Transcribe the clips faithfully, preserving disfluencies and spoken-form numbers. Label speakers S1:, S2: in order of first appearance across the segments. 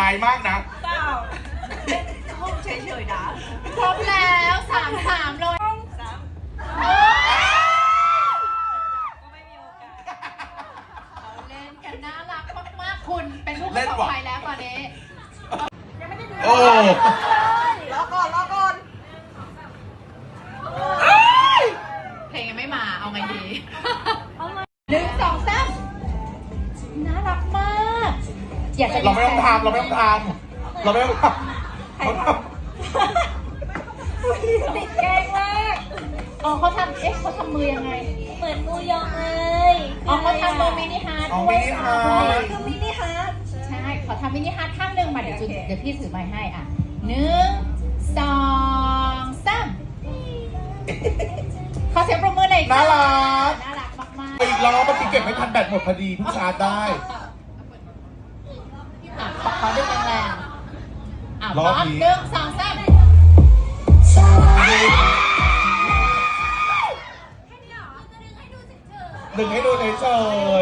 S1: ายมากนะ
S2: เปล่าห้องเฉยๆนะ
S3: ครบแล้วสามสามเลย
S2: สามก็ไม่มีโอกาส
S3: เราเล่นกันน่ารักมากๆคุณเป็นผู้ประสบภัยแล้วตอนนี้ยังไม่ได้ดู
S1: โอ้
S2: รอก่อนรอก่อน
S3: เพลงยังไม่มาเอาไงดีหนึ่งสองสามน่ารักมากอยากจะ
S1: เราไม่ต้องทำเราไม่ต้องทำเราไม่ต้องทำเขาทำ
S2: ติดแกงมาก
S3: อ๋อเขาทำเอ๊ะเขาทำมือยังไง
S2: เหมือนมูยองเลย
S3: อ๋อเขาทำมือมินิฮาร์ด
S1: เอามินิฮาร์ด
S2: คือมินิฮาร์ด
S3: ใช่ขอทำมินิฮาร์ดข้างหนึ่งมาเดี๋ยวจุดเดี๋ยวพี่ถือไม้ให้อ่ะหนึ่งสองสามขอเสียงปรบมือหน่อย
S1: น่ารัก
S3: น่ารักมากๆ
S1: อีกรอบเมื่อกี้เก็บไม่ทันแบตหมดพอดีเพิ่งชาร์จได้
S3: อ่ะขอขอดึงแรงๆอ่ะพร้อมหนึ่งสองสาม
S1: ดึงให้ดูเฉย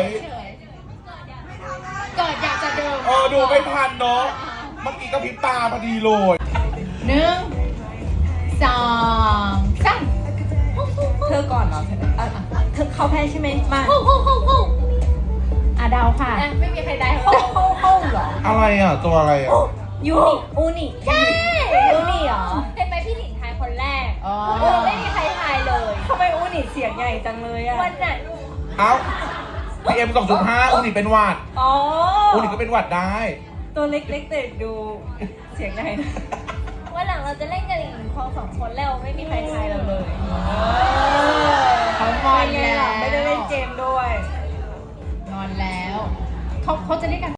S3: เกิดอยากจะดึง
S1: เออดูไม่ทันเนาะเมื่อกี้ก็พริบตาพอดีเลย
S3: หนึ่งสองสาม
S2: เธอก่อนเหรอเธอเขาแพ้ใช่ไหมมา
S3: อ่ะเดาค่ะไม่มีใครได้เขาเหรอ
S1: อะไรอ่ะตัวอะไรอ่ะ
S2: ยูนิอูนิ
S3: ใช่
S2: อูนิเหรอ
S3: เห็นไหมพี่หลินทายคนแรกอ๋อไม่มีใครทายเลย
S2: ทำไมอูนิเสียงใหญ่จังเลยอะ
S3: วันนั้น
S1: เอ้าพีเอ็มสองจุดห้าอุนิเป็นหวัด
S2: อ๋อ
S1: อุนิก็เป็นหวัดได้
S2: ตัวเล็กๆแต่ดูเสียงใหญ่นะ
S3: วันหลังเราจะเล่นกันอีกพอสองคนแล้วไม่มีใครทายเราเลย
S2: เขางอนแล้วไม่ได้เล่นเกมด้วย
S3: งอนแล้วเขาเขาจะเล่นกัน